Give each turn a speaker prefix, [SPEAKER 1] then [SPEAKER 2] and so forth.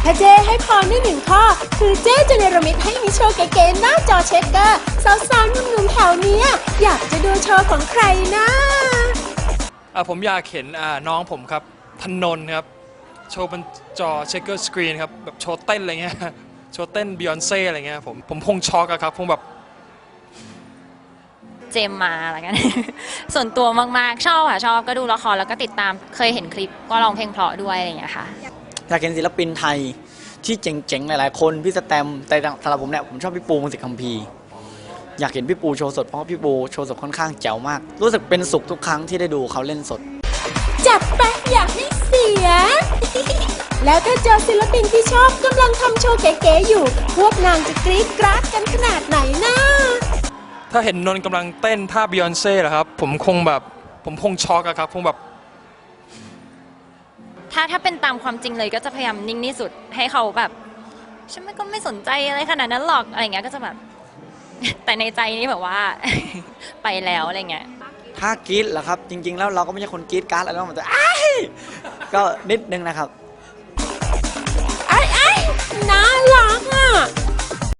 [SPEAKER 1] ถ้าเจ้ให้พรได้หนึ่งข้อคือเจ้จะเนรมิตให้มีโชว์เก๋ๆหน้าจอเช็คเกอร์สาวๆหนุ่มๆแถวเนี้ยอยากจะดูโชว์ของใครนะ
[SPEAKER 2] ผมอยากเห็นน้องผมครับธนนท์ครับโชว์บนจอเช็คเกอร์สกรีนครับแบบโชว์เต้นอะไรเงี้ยโชว์เต้นบิยอนเซ่อะไรเงี้ยผมคงช็อกอะครับคงแบบ
[SPEAKER 3] เจมมาอะไรกัน ส่วนตัวมากๆชอบค่ะชอบก็ดูละครแล้วก็ติดตามเคยเห็นคลิปก็ร้องเพลงเพราะด้วยอะไรอย่างเงี้ยค่ะ
[SPEAKER 4] อยากเห็นศิลปินไทยที่เจ๋งๆหลายๆคนพี่สแตมแต่สำหรับผมเนี่ยผมชอบพี่ปูมงสิทธิ์คัมภีร์อยากเห็นพี่ปูโชว์สดเพราะพี่ปูโชว์สดค่อนข้างแจ๋วมากรู้สึกเป็นสุขทุกครั้งที่ได้ดูเขาเล่นสด
[SPEAKER 1] จัดไปอยากให้เสีย แล้วถ้าเจอศิลปินที่ชอบกำลังทำโชว์เก๋ๆอยู่พวกนางจะกรี๊ดกราดกันขนาดไหนนะ
[SPEAKER 2] ถ้าเห็นนนท์กำลังเต้นท่าบิยอนเซ่เหรอครับผมคงช็อกอะครับคงแบบ
[SPEAKER 3] ถ้าเป็นตามความจริงเลยก็จะพยายามนิ่งที่สุดให้เขาแบบฉันก็ไม่สนใจอะไรขนาดนั้นหรอกอะไรเงี้ยก็จะแบบ แต่ในใจนี่แบบว่า ไปแล้วอะไรเงี้ย
[SPEAKER 4] ถ้ากรี๊ดเหรอครับจริงๆแล้วเราก็ไม่ใช่คนกรี๊ดการ์ดอะไรมันจะก็นิดนึงนะครับ
[SPEAKER 1] ไอ้น่ารักอ่ะ